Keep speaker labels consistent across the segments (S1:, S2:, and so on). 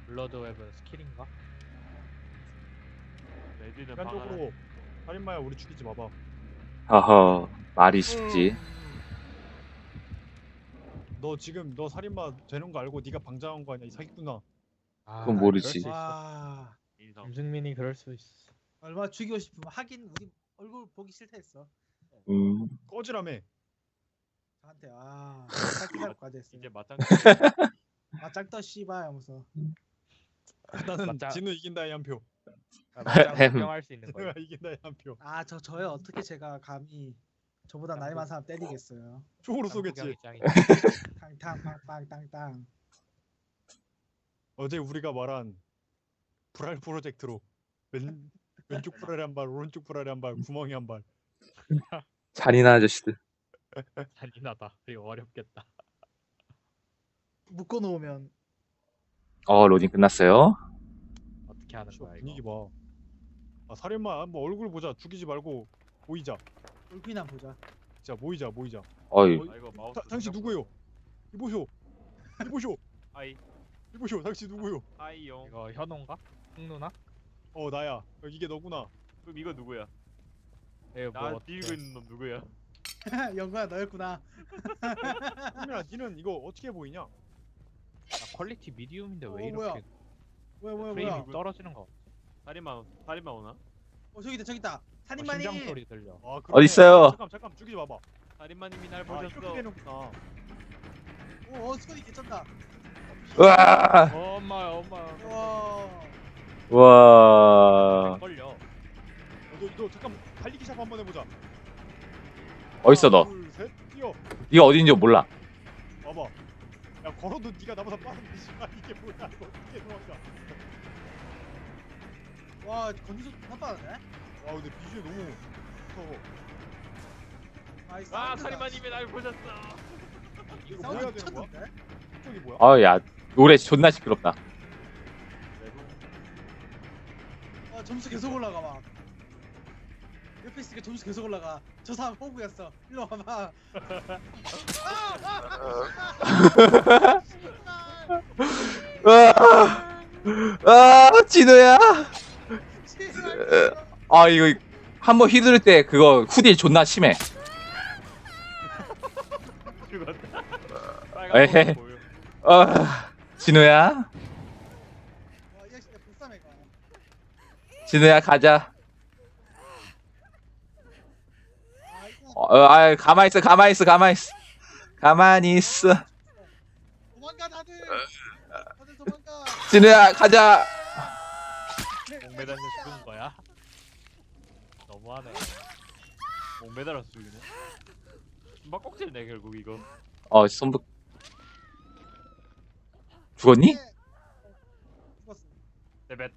S1: 블러드 웹은 스킬인가?
S2: 레디는
S3: 인간적으로 살인마야 우리 죽이지 마봐.
S4: 허허, 말이 쉽지.
S3: 너 지금 너 살인마 되는 거 알고 네가 방장한 거 아니야 이 사기꾼아.
S1: 아,
S4: 그건 모르지.
S1: 그럴 수 있어.
S5: 와
S2: 인성.
S1: 김승민이 그럴 수 있어.
S5: 얼마나 죽이고 싶으면 하긴 우리 얼굴 보기 싫다 했어.
S3: 꺼지라며.
S5: 저한테 살기살까지 했어.
S2: 이제 맞짱.
S5: 아 짱떠 씨발 하면서.
S3: 나는
S1: 맞다.
S3: 진우 이긴다에 한 표.
S1: 아, 맞짱 구경할 수 있는 거야.
S3: 진우가 이긴다에 한 표.
S5: 저요 어떻게 제가 감히 저보다 나이 많은 사람 때리겠어요.
S3: 총으로
S1: 짱
S3: 쏘겠지.
S1: 구경이 짱이지.
S5: 탕탕 빵빵 땅땅.
S3: 어제 우리가 말한 불알 프로젝트로 왼쪽 불알에 한 발, 오른쪽 불알에 한 발, 구멍에 한 발.
S4: 잔인한 아저씨들.
S1: 잔인하다. 그리고 어렵겠다.
S5: 묶어 놓으면
S4: 로딩 끝났어요.
S1: 어떻게 하는 거야
S3: 분위기
S1: 이거?
S3: 봐. 아 살인마 한번 얼굴 보자. 죽이지 말고 모이자.
S5: 얼굴이나 보자.
S3: 자 모이자.
S4: 어이,
S2: 아 이거 마우스.
S3: 당신 누구요? 이보쇼.
S2: 아이
S3: 이보쇼. 당신 누구요?
S2: 아이용.
S1: 이거 현호인가? 흥누나?
S3: 나야. 이게 너구나.
S2: 그럼 이거 누구야?
S1: 이거
S2: 나
S1: 뭐
S2: 뒤고 있는 놈 누구야?
S5: 영구야 너였구나.
S3: 승민아, 니는 이거 어떻게 보이냐?
S1: 퀄리티 미디움인데 왜
S5: 뭐야?
S1: 이렇게
S5: 뭐야
S1: 프레임이
S5: 뭐야.
S1: 떨어지는 거?
S2: 살인마 오나?
S5: 저기 있다. 살인마님.
S1: 심장 소리 들려.
S3: 아, 그러네.
S4: 어딨어요?
S3: 잠깐 죽이지 마봐.
S2: 살인마님이 날
S3: 이렇게
S2: 보셨어.
S3: 되는구나.
S5: 스쿼디 개쩐다.
S4: 으아!
S1: 엄마야.
S5: 와.
S4: 와,
S1: 걸려.
S3: 너 잠깐 달리기 샵 한번 해보자.
S4: 어딨어, 너?
S3: 하나, 둘, 셋, 뛰어.
S4: 네가 어딘지 몰라.
S3: 봐봐. 야 걸어도 네가 나보다 빠른데 씨발 이게 뭐야? 이거 어떻게 도망가?
S5: 와 건디션 나빠네.
S3: 와 근데 비주얼 너무 무서워.
S2: 아 살인마님이 날 보셨어.
S3: 이거 뭐 해야
S5: 사운드
S3: 되는 거야?
S5: 미쳤는데?
S3: 이쪽이 뭐야?
S4: 야, 노래 존나 시끄럽다.
S5: 점수 계속 올라가 막. 옆에 있으니까 점수 계속 올라가. 저 사람 호구였어. 일로 와봐.
S4: 진우야. 이거 한번 휘두를 때 그거 후딜 존나 심해.
S2: 죽었다.
S4: 에헤.
S2: 빨간 거 보여.
S4: 진우야.
S5: 와, 이 자식 진짜 불쌍해 가.
S4: 진우야, 가자.
S5: 이거
S4: 가만히 있어. 가만히 있어.
S5: 도망가 다들. 다들 도망가.
S4: 진우야, 가자.
S1: 목 매달려 죽은 거야? 너무하네.
S2: 목 매달아서 죽이네. 막 꼭지네 결국 이거.
S4: 손부. 죽었니?
S5: 죽었어.
S2: 네벳.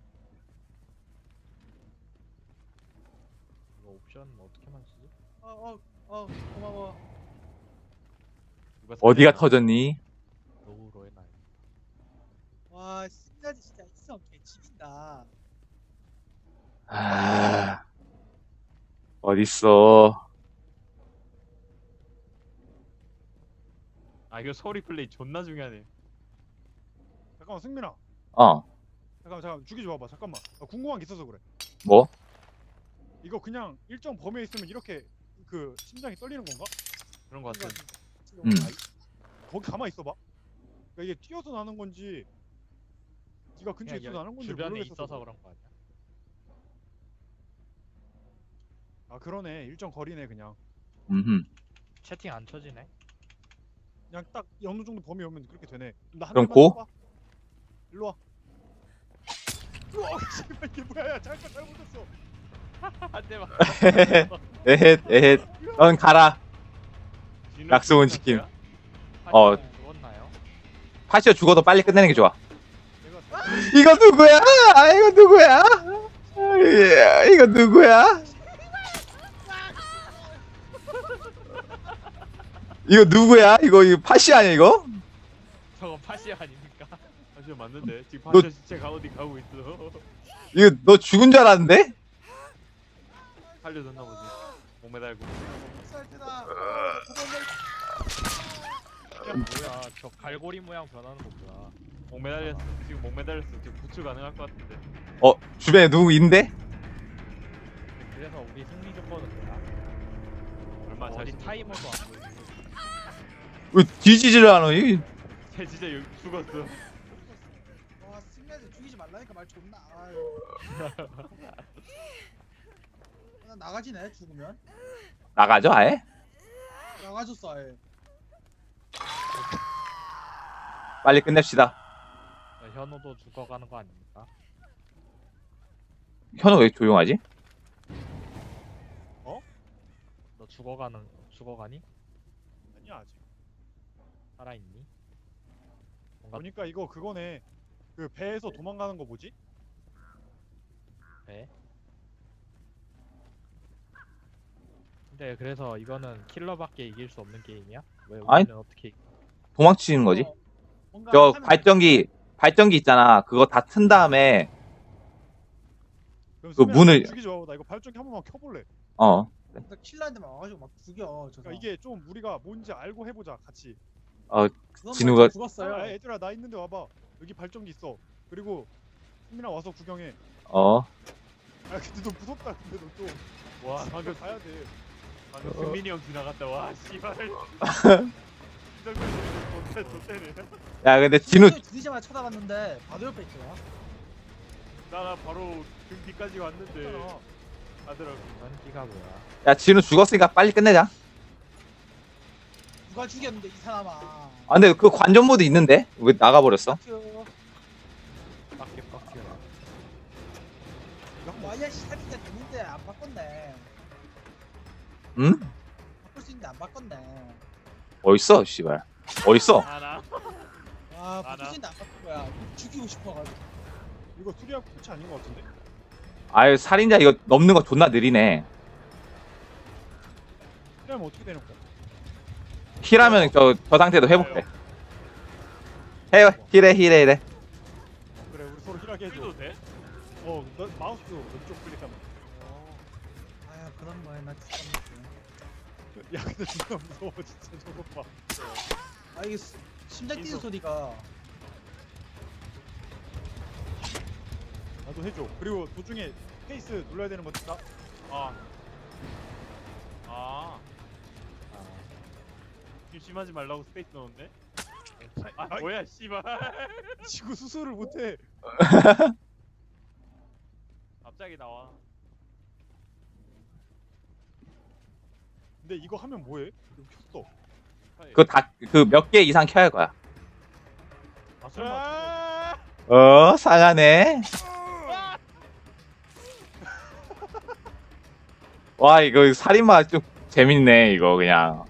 S1: 이거 옵션 어떻게만 쓰지?
S5: 고마워.
S2: 누가
S4: 어디가
S2: 살인마?
S4: 터졌니?
S1: 노후로 해놔요.
S5: 와, 신나지 진짜 있어. 개치긴다.
S4: 어딨어?
S2: 아 이거 소리 플레이 존나 중요하네.
S3: 잠깐만 승민아. 잠깐 죽이지 마봐. 잠깐만. 나 궁금한 게 있어서 그래.
S4: 뭐?
S3: 이거 그냥 일정 범위에 있으면 이렇게 그 심장이 떨리는 건가?
S2: 그런 거 같아.
S3: 거기 가만 있어봐. 그러니까 이게 뛰어서 나는 건지 네가 근처에
S1: 그냥
S3: 있어서 나는 건지
S1: 주변에
S3: 모르겠어서
S1: 있어서
S3: 그래.
S1: 그런 거 아니야?
S3: 아 그러네. 일정 거리네 그냥.
S1: 채팅 안 쳐지네.
S3: 그냥 딱 어느 정도 범위 오면 그렇게 되네. 나한
S4: 그럼
S3: 대만
S4: 고?
S3: 쏴봐. 일로 와. 우와 씨발 이게 뭐야? 야 잠깐 잘못했어.
S2: 한 대만.
S4: 에헷. 넌 가라. 약속은 지킴.
S1: 죽었나요?
S4: 파시오 죽어도 빨리 끝내는 게 좋아.
S3: 내가
S4: 이거 누구야? 이거 누구야? 이거 누구야? 이거 파시 아니야 이거?
S1: 저거 파시 아닙니까?
S2: 사실 맞는데 지금
S4: 너-
S2: 파쇼 시체 어디 가고 있어.
S4: 이거 너 죽은 줄 알았는데?
S2: 살려줬나 보지. 목 매달고.
S5: 살 때다.
S1: 야 뭐야 저 갈고리 모양 변하는 거 뭐야?
S2: 목 매달렸어. 지금 목 매달렸어. 지금 구출 가능할 것 같은데.
S4: 주변에 누구 있는데?
S1: 그래서 우리 승리 조건은 뭐야?
S2: 얼마
S1: 어디
S2: 자신?
S1: 타이머도 안 보이고.
S4: 왜 뒤지지를 않아? 이
S2: 쟤 진짜 여기 죽었어.
S5: 와 승리한테 죽이지 말라니까 말 존나. 아유. 나 나가지네 죽으면.
S4: 나가죠 아예?
S5: 나가줬어 아예.
S4: 빨리 끝냅시다.
S1: 현우도 죽어가는 거 아닙니까?
S4: 현우 왜 조용하지?
S1: 너 죽어가니?
S3: 아니야 아직.
S1: 살아있니? 뭔가
S3: 보니까 이거 그거네. 그 배에서 도망가는 거 뭐지?
S1: 돼? 근데 그래서 이거는 킬러밖에 이길 수 없는 게임이야? 왜
S4: 아니.
S1: 우리는 어떻게 이겨?
S4: 도망치는 거지?
S5: 어, 뭔가
S4: 저
S5: 하면
S4: 발전기 있잖아. 그거 다 튼 다음에
S3: 그럼
S4: 그
S3: 수민아,
S4: 문을-
S3: 죽이지 말고 나 이거 발전기 한 번만 켜볼래.
S5: 나 킬러한테만 와가지고 막 죽여. 저
S3: 그러니까 이게 좀 우리가 뭔지 알고 해보자 같이.
S5: 그건
S4: 진우가-
S5: 뭐 죽었어요.
S3: 아, 애들아 나 있는데 와봐. 여기 발전기 있어. 그리고 수민아 와서 구경해.
S4: 어
S3: 아 근데 너 무섭다. 근데 너 좀.
S2: 와 방금
S3: 가야 돼.
S2: 방금 승민이 형 지나갔다. 와 씨발. 좋대네.
S4: 야 근데 진우
S5: 들리자마자 쳐다봤는데 바로 옆에 있더라.
S2: 나 바로 등 뒤까지 왔는데.
S3: 괜찮아.
S2: 아들아.
S1: 전기가 뭐야?
S4: 야 진우 죽었으니까 빨리 끝내자.
S5: 누가 죽였는데 이 사람아.
S4: 아 근데 그 관전 모드 있는데 왜 나가버렸어?
S1: 빡게 빡게.
S5: 와이야 시작이 됐는데 안 바꿨네.
S4: 응?
S5: 바꿀 수 있는데 안 바꿨네.
S4: 어딨어 씨발 어딨어?
S2: 하나.
S5: 와 바꿀
S2: 나.
S5: 수 있는데 안 바꾼 거야. 죽이고 싶어가지고.
S3: 이거 수리하고 끝이 아닌 것 같은데?
S4: 아유 살인자 이거 넘는 거 존나 느리네.
S3: 수리하면 어떻게 되는 거야?
S4: 힐하면 저 상태도 회복돼. 힐해.
S3: 그래 우리 서로 힐하게 해줘.
S2: 해도 돼?
S3: 너 마우스 왼쪽 클릭하면.
S5: 아야 그런 거야 나 진짜. 모르겠네.
S3: 야 근데 진짜 무서워 진짜 저거 봐.
S5: 아 이게 심장 뛰는
S2: 인성.
S5: 소리가.
S3: 나도 해줘. 그리고 도중에 페이스 눌러야 되는 거 있다.
S2: 아. 아. 조심하지 말라고 스페이스 넣었네. 아
S3: 아이.
S2: 뭐야 씨발.
S3: 지구 수술을 못해.
S2: 갑자기 나와.
S3: 근데 이거 하면 뭐해? 이거 켰어.
S4: 그 몇 개 이상 켜야 할 거야.
S3: 아 설마.
S2: 아!
S4: 상하네. 와 이거 살인마 좀 재밌네 이거 그냥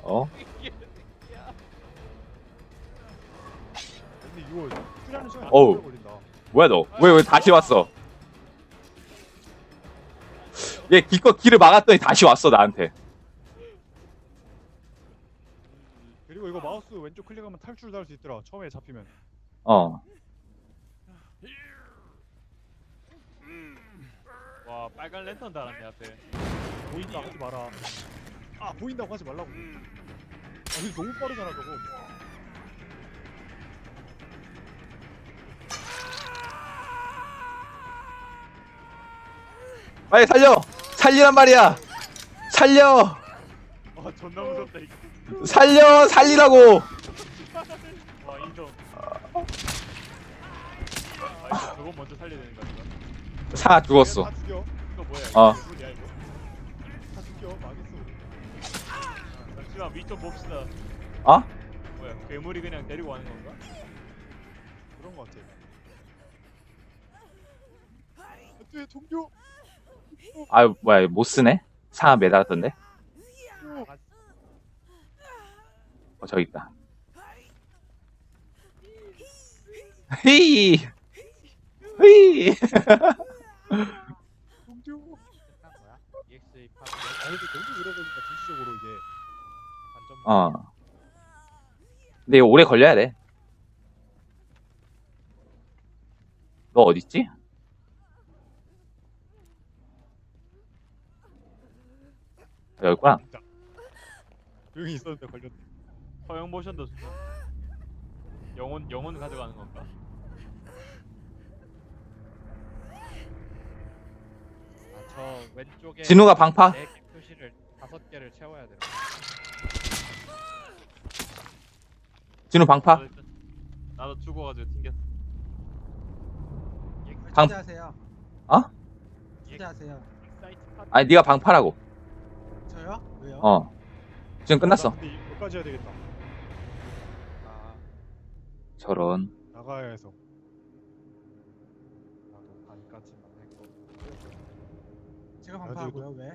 S3: 근데 이거 수리하는 시간이
S4: 어우.
S3: 오래 걸린다.
S4: 뭐야 너 왜 다시 왔어? 얘 기껏 길을 막았더니 다시 왔어 나한테.
S3: 그리고 이거 마우스 왼쪽 클릭하면 탈출도 할 수 있더라. 처음에 잡히면.
S2: 와 빨간 랜턴 달았네 앞에.
S3: 보인다 하지 마라. 아 보인다고 하지 말라고. 아 근데 너무 빠르잖아 저거.
S4: 빨리 살리란 말이야. 살려
S2: 와 존나 무섭다 이거.
S4: 살리라고.
S2: 와 인정. 아 이거 저거 먼저 살려야 되는 거 아닌가?
S4: 사 죽었어.
S3: 다 죽여.
S2: 이거 뭐야?
S4: 어.
S2: 이거 뭐야 이거?
S3: 다 죽여. 망했어.
S2: 잠시만 위좀 봅시다.
S4: 어?
S2: 뭐야 괴물이 그냥 데리고 가는 건가?
S3: 그런 거 같아. 안돼 동료.
S4: 아유 뭐야 못 쓰네. 사 매달았던데. 저기 있다. 히히
S3: 동료.
S1: 끝난 거야? EXA 파
S3: 아 근데 너무 오래 걸리니까 전시적으로 이게.
S1: 반전.
S4: 근데 이거 오래 걸려야 돼. 너 어딨지? 여기 있구나.
S3: 조용히 있었는데 걸렸네.
S2: 허용 모션도 좋다. 영혼 가져가는 건가?
S1: 왼쪽에
S4: 진우가 방파?
S1: 4개 표시를 5개를 채워야 돼요.
S4: 진우 방파?
S2: 나도 죽어가지고 튕겼어.
S4: 방-
S5: 초대하세요.
S4: 어?
S5: 초대하세요.
S1: 사이트 파
S4: 아니 네가 방파라고.
S5: 저요? 왜요?
S4: 어. 지금 끝났어.
S3: 근데 여기까지 해야 되겠다.
S1: 아,
S4: 저런.
S3: 나가야 해서.
S1: 나도 반까지만 했고.
S5: 제가
S3: 나도
S5: 방파하고요. 왜?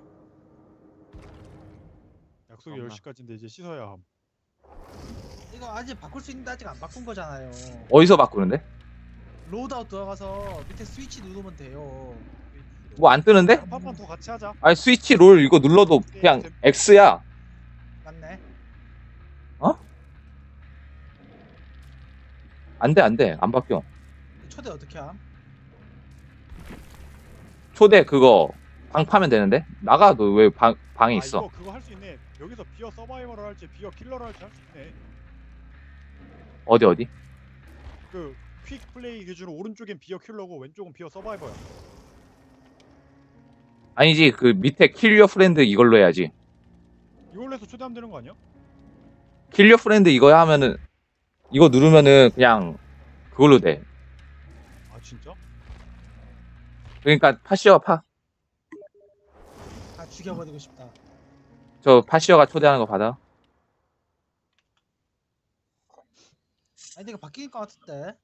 S3: 약속이
S2: 잠깐만.
S3: 10시까지인데 이제 씻어야 함.
S5: 이거 아직 바꿀 수 있는데 아직 안 바꾼 거잖아요.
S4: 어디서 바꾸는데?
S5: 로드아웃 들어가서 밑에 스위치 누르면 돼요.
S4: 뭐 안 뜨는데?
S3: 한판만 더 같이 하자.
S4: 아니 스위치 롤 이거 눌러도 그냥 X야.
S5: 맞네.
S4: 안 돼, 안 돼. 안 바뀌어.
S5: 초대 어떻게 함?
S4: 초대 그거 방파면 되는데? 나가 너 왜 방에 있어?
S3: 이거 그거 할 수 있네. 여기서 비어 서바이벌을 할지 비어 킬러를 할지 할 수 있네.
S4: 어디?
S3: 그 퀵 플레이 기준으로 오른쪽엔 비어 킬러고 왼쪽은 비어 서바이벌야.
S4: 아니지 그 밑에 킬리어 프렌드 이걸로 해야지.
S3: 이걸로 해서 초대하면 되는 거 아니야?
S4: 킬리어 프렌드 이거 하면은 이거 누르면은 그냥 그걸로 돼.
S3: 아 진짜?
S4: 그러니까 파시어 파.
S5: 다 죽여버리고 싶다.
S4: 저 파시어가 초대하는 거 받아.
S5: 아니 이거 바뀔 것 같은데.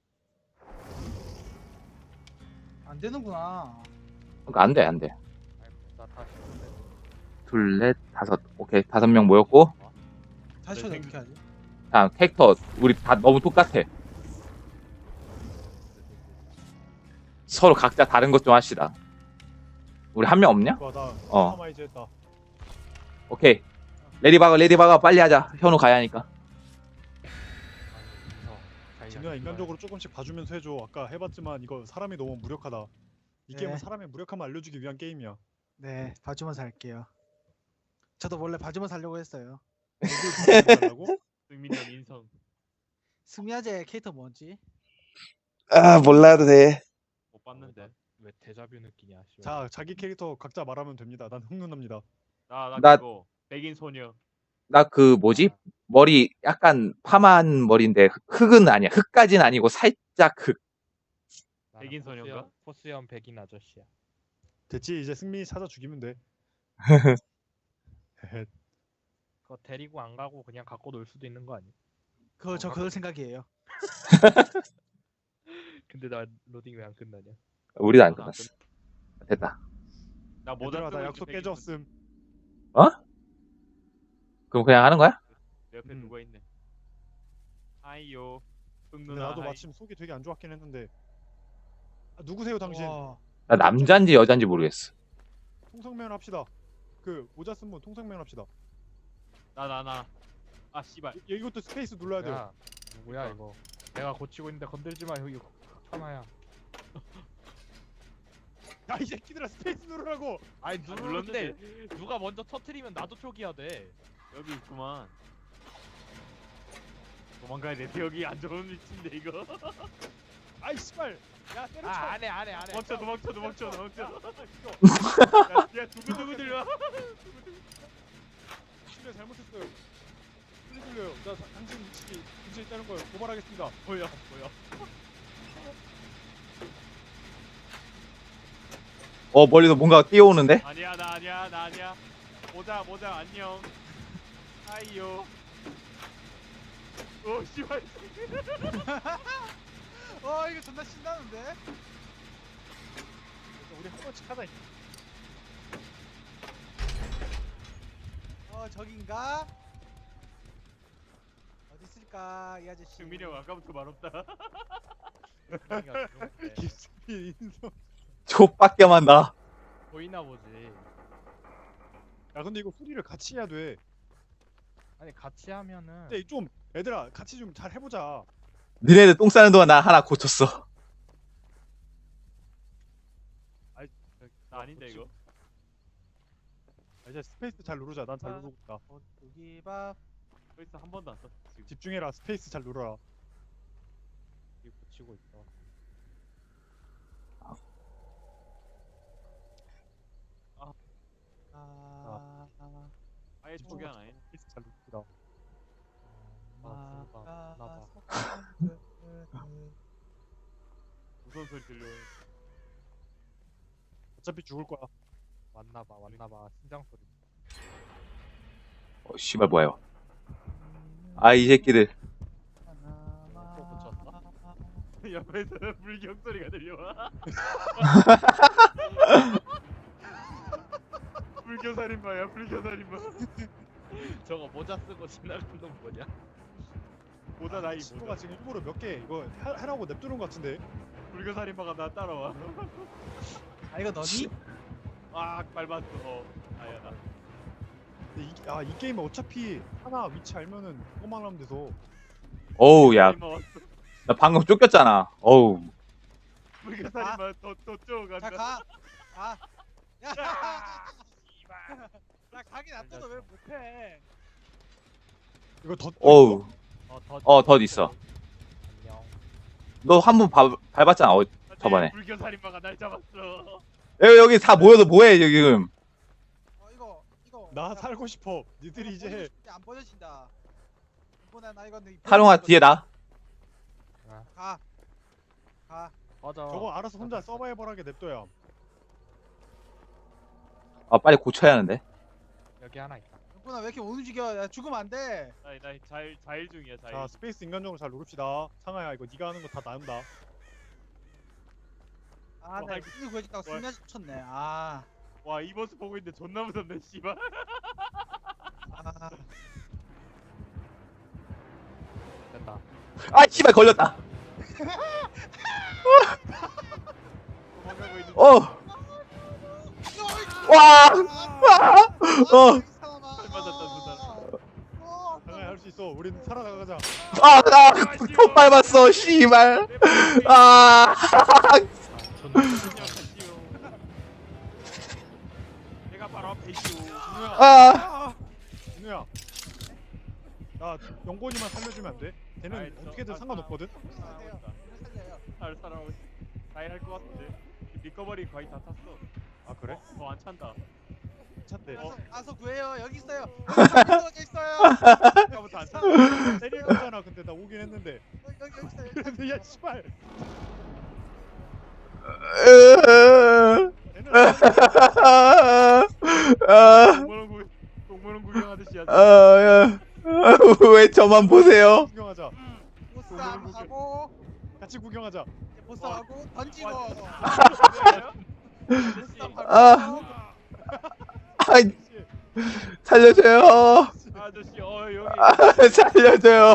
S5: 안 되는구나.
S4: 그러니까 안 돼, 안 돼.
S1: 아이고, 나 다시 초대.
S4: 둘, 넷, 다섯. 오케이. 5명 모였고.
S5: 다시
S2: 네,
S5: 초대
S2: 생-
S5: 어떻게 하지?
S4: 자, 캐릭터 우리 다 너무 똑같아. 서로 각자 다른 것 좀 합시다. 우리 한 명 없냐?
S3: 와, 나
S4: 어.
S3: 카마이즈 했다.
S4: 오케이. 레디바거 빨리 하자. 현우 가야 하니까.
S3: 진우야 인간적으로 조금씩 봐주면서 해줘. 아까 해봤지만 이거 사람이 너무 무력하다. 이
S5: 네.
S3: 게임은 사람의 무력함을 알려주기 위한 게임이야.
S5: 네, 봐주면서 할게요. 저도 원래 봐주면서 하려고 했어요.
S3: 달라고?
S2: 승민형 인성.
S5: 승리아제 캐릭터 뭔지?
S4: 아, 몰라도 돼.
S2: 못 봤는데.
S1: 왜 데자뷰 느끼냐? 씨발.
S3: 자, 자기 캐릭터 각자 말하면 됩니다. 난 흑눈납니다.
S2: 나
S4: 나-
S2: 그거 백인 소녀.
S4: 나 그 뭐지? 머리 약간 파마한 머리인데 흑은 아니야. 흑까진 아니고 살짝 흑.
S1: 나는
S2: 백인 소녀인가?
S1: 포스연 백인 아저씨야.
S3: 됐지? 이제 승민이 찾아 죽이면 돼.
S1: 그거 데리고 안 가고 그냥 갖고 놀 수도 있는 거 아니야?
S5: 저 그럴 생각이에요.
S1: 근데 나 로딩 왜 안 끝나냐?
S4: 우리도 안
S2: 나도 안
S4: 끝났어. 됐다.
S2: 나 모자
S3: 얘들아,
S2: 쓰고
S3: 나
S2: 있지,
S3: 약속
S2: 백인
S3: 깨졌음.
S4: 그럼 그냥 하는 거야?
S2: 소녀. 내 옆에 누가 있네. 하이요.
S3: 근데
S2: 흑누나
S3: 나도
S2: 하이.
S3: 마침 속이 되게 안 좋았긴 했는데. 아, 누구세요 당신?
S5: 와,
S4: 나 남잔지 여잔지 모르겠어.
S3: 통성면 합시다. 그 모자 쓴 분 통성면 합시다.
S2: 나. 아 씨발.
S3: 이것도 스페이스 눌러야 돼요.
S1: 야, 누구야 이거? 내가 고치고 있는데 건들지 마. 여기 천하야.
S3: 야, 이 새끼들아 스페이스 누르라고.
S1: 아니
S2: 눌렀는데.
S1: 누르는데 누가 먼저 터트리면 나도 초기화 돼.
S2: 여기 있구만. 도망가야 돼. 여기 안 좋은 위치인데 이거.
S3: 아이 씨발. 야 때려쳐.
S1: 아 안해.
S2: 도망쳐.
S3: 야,
S2: 야 두근두근 들려.
S3: 실례 잘못했어요. 소리 들려요. 나 당신 위치 근처에 있다는 걸 고발하겠습니다.
S2: 뭐야.
S4: 멀리서 뭔가 뛰어오는데?
S2: 아니야 나 아니야. 모자 안녕. 하이요. 오 씨발.
S5: 이거 존나 신나는데?
S3: 우리 한 번씩 하다.
S5: 저긴가? 어디 있을까 이 아저씨?
S2: 승민이 형 아까부터 말없다.
S1: 승민이가 그런데
S3: 김승민 인성.
S4: 족밖에만 나.
S1: 보이나 보지.
S3: 야 근데 이거 소리를 같이 해야 돼.
S1: 아니 같이 하면은
S3: 근데 좀 얘들아 같이 좀 잘 해보자.
S4: 니네들 똥 싸는 동안 나 하나 고쳤어.
S2: 나 아닌데 이거.
S3: 이제 스페이스 잘 누르자. 난 잘 누르고 있다.
S5: 고기밥.
S2: 벌써 한 번도 안 썼어 지금.
S3: 집중해라. 스페이스 잘 눌러라.
S1: 이거 고치고 있어.
S3: 잘 웃기다.
S1: 나봐.
S2: 무서운 소리 들려.
S3: 어차피 죽을 거야.
S1: 왔나봐 심장 소리.
S4: 씨발 뭐야. 아 이 새끼들.
S1: 또 고쳤어?
S2: 옆에서 불경 소리가 들려와. 불교살인마야 불교살인마.
S1: 저거 모자 쓰고 지나가는 놈 뭐냐?
S2: 보다 나이
S3: 친구가
S2: 보다.
S3: 지금 일부러 몇 개 이거 하라고 냅두는 것 같은데.
S2: 불교살인마가 나 따라와.
S5: 아 이거 너니?
S2: 아 밟았어. 아야 나.
S3: 근데 이 게임은 어차피 하나 위치 알면은 그거만 하면 돼서.
S4: 어우 야,
S2: 불교살인마 왔어.
S4: 나 방금 쫓겼잖아. 어우.
S2: 불교살인마 더 쪼간다.
S5: 자 가. 가. 야.
S2: 씨발.
S5: 나 가긴 놔둬도 왜 못해?
S3: 이거 더.
S4: 어우.
S1: 더
S4: 덧 있어.
S1: 안녕.
S4: 너 한 번 밟았잖아. 저번에.
S2: 불교살인마가 날 잡았어.
S4: 여기 다 모여서 뭐해 지금.
S5: 이거.
S3: 나 살고 싶어. 니들이 이제
S5: 안 버려진다. 이번에 나 이거
S4: 사룡아 뒤에 나.
S5: 가.
S1: 맞아.
S3: 저거 알아서 혼자 서바이벌하게 냅둬야.
S4: 아 빨리 고쳐야 하는데.
S1: 여기 하나 있다.
S5: 이번에 왜 이렇게 못 움직여? 야, 죽으면 안 돼.
S2: 나 자일 중이야 자일.
S3: 자 스페이스 인간적으로 잘 누릅시다. 상아야 이거 네가 하는 거 다 나온다.
S5: 아, 나
S2: 와,
S5: 이거 구해줬다가
S2: 와.
S5: 승리하지 쳤네. 아.
S2: 와 이 모습 보고 있는데 존나 무섭네 씨발.
S5: 아.
S1: 됐다.
S4: 아 씨발 걸렸다.
S2: 도망가고 있는.
S4: 어. 와. 어.
S2: 맞았다, 두
S3: 상아야 할 수 있어. 우린 살아나가자.
S4: 아나톱 밟았어. 씨발. 아.
S1: 존나
S2: 내가 바로 앞에 있죠.
S4: 아.
S3: 진우야. 나 영곤이만 살려주면 안 돼? 걔는
S2: 아이,
S3: 어떻게든 상관없거든.
S2: 잘 살아오고 있어. 자일 할것 같은데. 리커버리 거의 다 탔어.
S3: 아 그래?
S2: 안 찬다.
S3: 괜찮대.
S5: 가서 구해요. 여기 있어요. 여기 떨어져 있어요.
S2: 아까부터 안 찬다.
S3: 때리잖아. 근데 나 오긴 했는데.
S5: 여기 있어요.
S3: 야 씨발. 걔는
S2: 동물원 구경하듯이 하자.
S4: 왜 저만 보세요?
S3: 구경하자.
S5: 보쌈하고
S3: 같이 구경하자.
S5: 보쌈하고 던지고.
S4: 아. 아이, 살려줘요.
S2: 아저씨 여기
S4: 살려줘요.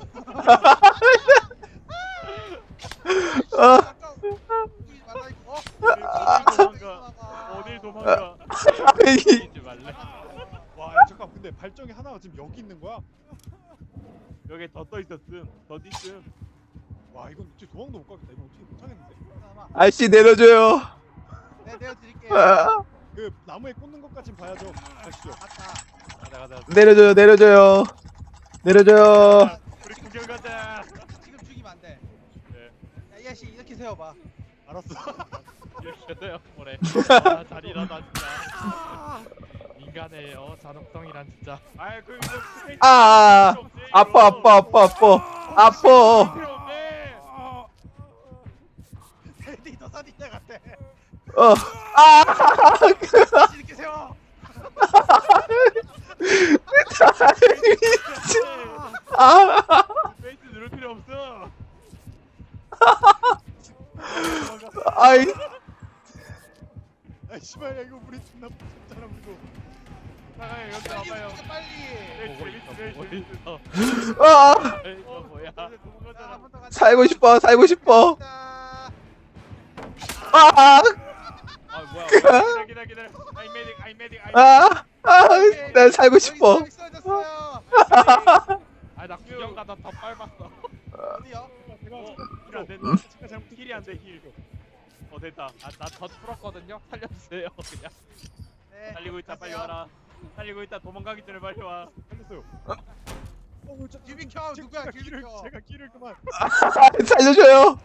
S2: 어딜 도망가.
S1: 이지 말래.
S3: 와, 야, 잠깐. 근데 발정이 하나가 지금 여기 있는 거야?
S2: 여기 더 떠 있었음. 더 있음.
S3: 와, 이건 진짜 도망도 못 가겠다. 이건 어떻게 못 하겠는데.
S4: 아저씨 내려줘요.
S5: 네, 내가 드릴게요.
S4: 아,
S3: 그 나무에 꽂는 것까진 봐야죠. 가시죠.
S5: 갔다.
S2: 가자.
S4: 내려줘요. 내려줘요.
S2: 우리 구경 가자.
S5: 지금 죽이면 안 돼.
S2: 네.
S5: 야, 이 아저씨 이렇게 세워봐.
S3: 알았어.
S1: 이렇게 돼요. 그래. 아, 잘 일하다 진짜. 인간의 잔혹성이란 진짜.
S2: 아이 그 이거 스페이스
S4: 아,
S2: 필요 없지,
S4: 아파.
S2: 필요 없네.
S5: 테디 더 사디자 같아.
S4: 아,
S5: 이렇게 세워.
S2: 스페이스 누를 필요 없어.
S4: 아이,
S3: 아, 씨발, 야, 이거 우리 존나 무섭잖아, 우리도.
S2: 나가요 여기
S5: 빨리
S2: 와봐요.
S5: 움직여, 빨리.
S2: 네,
S1: 보고
S2: 재밌어.
S1: 있어.
S4: 아,
S1: 이거 뭐야?
S5: 자,
S2: 도망가자.
S5: 한번더 가자.
S4: 살고 싶어.
S5: 자,
S4: 아,
S1: 아 뭐야?
S2: 기다려. 아이메딕.
S4: 난 살고 싶어.
S5: 여기 쓰러졌어요.
S1: 아나 구경 가다 더 밟았어.
S5: 어디요?
S2: 힐 안 된다. 힐이 안 돼. 힐. 됐다.
S1: 아나더 풀었거든요. 살려주세요 그냥.
S5: 네.
S2: 달리고 있다. 빨리
S5: 가세요.
S2: 와라. 달리고 있다. 도망가기 전에 빨리 와.
S3: 살렸어요.
S5: 유비켜 누구야? 유비켜.
S3: 제가 길을 그만.
S4: 살려줘요.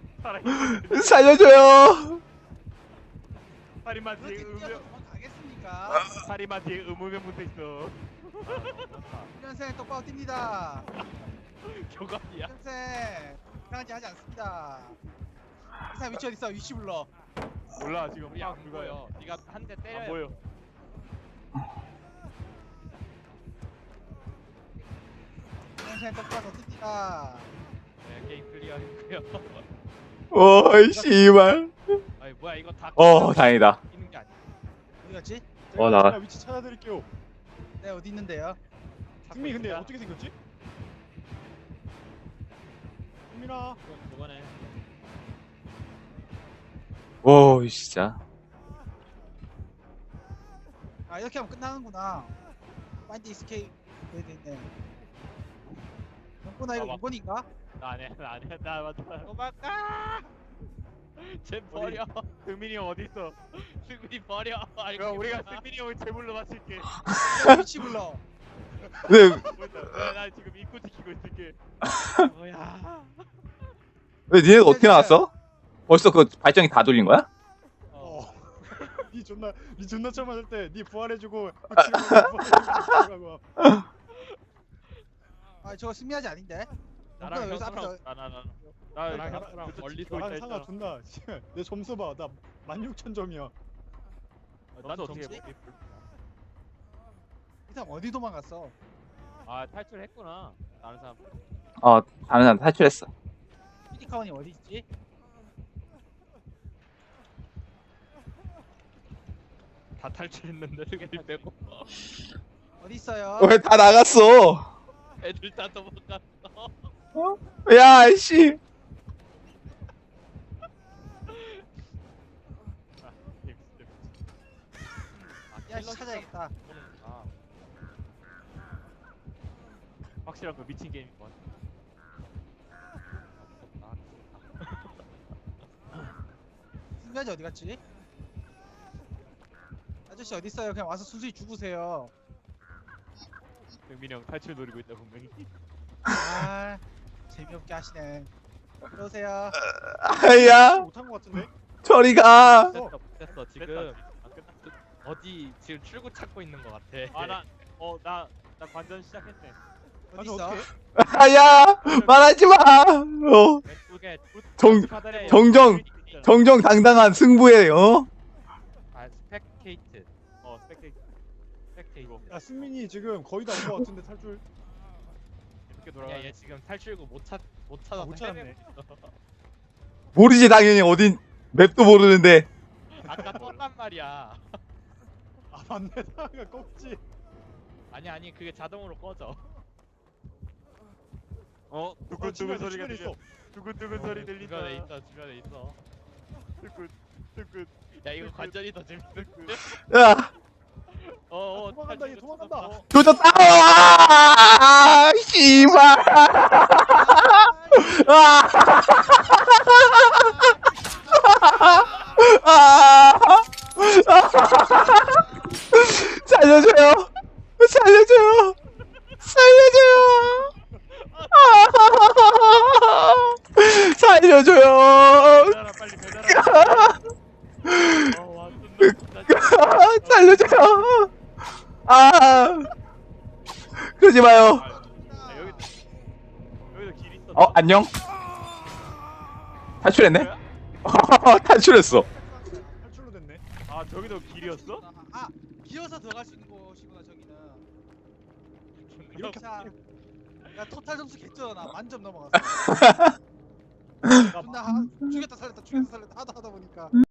S4: 살려줘요.
S2: 살인마 뒤에
S5: 그렇게 뛰어서 도망가겠습니까?
S2: 살인마 뒤에 의무면 붙어 있어.
S5: 훈련생 똑바로 뜁니다.
S1: 교관이야.
S5: 훈련생 이상한지 하지 않습니다. 이 사람 위치 어딨어? 위치 불러.
S2: 몰라 지금
S1: 우리
S2: 막
S1: 안
S2: 그거야.
S1: 보여. 네가 한 대
S2: 안
S1: 때려야
S2: 보여.
S5: 훈련생 똑바로 뜁니다.
S1: 네, 게임 클리어했고요.
S4: 오, 씨발.
S1: 아니 뭐야 이거 다
S4: 다행이다.
S1: 있는 게 아니야.
S5: 어디 갔지?
S3: 제가
S4: 나-
S3: 제가 위치 찾아드릴게요.
S5: 네 어디 있는데요?
S3: 승미 근데
S1: 있다.
S3: 어떻게 생겼지? 승민아.
S1: 그거네.
S4: 오, 진짜.
S5: 아 이렇게 하면 끝나는구나. 파인드 이스케이프 돼야 되네. 영구나 이거
S1: 봐봐.
S5: 6번인가?
S1: 나 아니야 나 아니야 나 맞다. 도망가. 쟤 버려.
S2: 승민이 형 어디 있어?
S1: 승민이 버려. 알고
S2: 그럼 우리가
S1: 있구나.
S2: 승민이 형을 제물로 맞출게.
S5: 위치 불러.
S4: 왜,
S2: 나 지금 입구 지키고 있을게.
S1: 뭐야.
S4: 왜 니네가 어떻게 나왔어? 벌써 그 발전기 다 돌린 거야?
S3: 어. 니 존나 처음 맞을 때니 부활해주고 부활해주고.
S5: 아 저거 승리하지 아닌데?
S1: 나랑
S5: 영구나 여기서 앞에서
S1: 나랑
S2: 나랑
S1: 형랑 멀리서
S3: 나랑
S1: 있다
S3: 상아
S1: 했잖아.
S3: 존나. 내 점수 봐. 나 16,000점이야.
S2: 나도 어떻게
S1: 점수?
S2: 해?
S5: 이 사람 어디 도망갔어?
S1: 아 탈출했구나. 다른 사람.
S4: 다른 사람 탈출했어.
S5: 피디카원이 어디 있지?
S1: 다 탈출했는데 승민이 빼고.
S5: 어디 있어요?
S4: 왜 다 나갔어?
S1: 애들 다 도망갔어.
S4: 야, 씨.
S5: 야 씨, 찾아야겠다.
S1: 아,
S2: 확실한 그 미친 게임인 것 같아.
S5: 승리하지 어디 갔지? 아저씨 어디 있어요? 그냥 와서 순순히 죽으세요.
S2: 승민이 형 탈출 노리고 있다 분명히.
S5: 아 재미없게 하시네. 들어오세요.
S4: 야,
S3: 못한 것 같은데?
S4: 저리 가.
S1: 됐어 됐어 지금
S2: 안 끝났어.
S1: 어디 지금 출구 찾고 있는 것 같아.
S2: 나 관전 시작했네.
S5: 어디
S3: 아니,
S5: 있어?
S3: 어떡해?
S4: 야, 말하지 마.
S1: 왼쪽에
S4: 정,
S1: 카드레
S4: 정정당당한 승부에,
S1: 아 스펙테이트
S2: 스펙테이트
S1: 스펙테이트.
S3: 야 승민이 지금 거의 다 온 것 같은데 탈출.
S2: 이렇게
S1: 야
S2: 돌아가.
S1: 얘 지금 탈출구 못 찾아서
S3: 못 찾았네.
S1: 헤매고 있어.
S4: 모르지, 당연히. 어딘, 맵도 모르는데.
S1: 아까 떴단 말이야.
S3: 아 맞네. 상아가 꺾지.
S1: 아니 그게 자동으로 꺼져.
S2: 두근두근 소리가
S3: 주변에
S2: 들려. 두근두근 소리 들린다.
S1: 주변에 있어.
S2: 두근.
S1: 야 이거 관전이 더 재밌는데?
S4: 야,
S3: 도망간다, 얘 도망간다.
S4: 조졌다. 아, 씨발. 아, 살려줘요. 살려줘요. 살려줘요. 살려줘요.
S2: 배달아 빨리 배달아.
S1: 와
S4: 살려줘요. 그러지 마요.
S2: 여기도 길 있어.
S4: 안녕. 탈출했네. 탈출했어.
S3: 탈출로 됐네.
S2: 아 저기도 길이었어?
S5: 아 기어서 들어갈 수 있는 곳이구나 저기는.
S3: 이렇게
S5: 자, 야 토탈 점수 개쩌나 만점 넘어갔어.
S2: 나
S5: 존나 죽였다 살렸다 하다 보니까.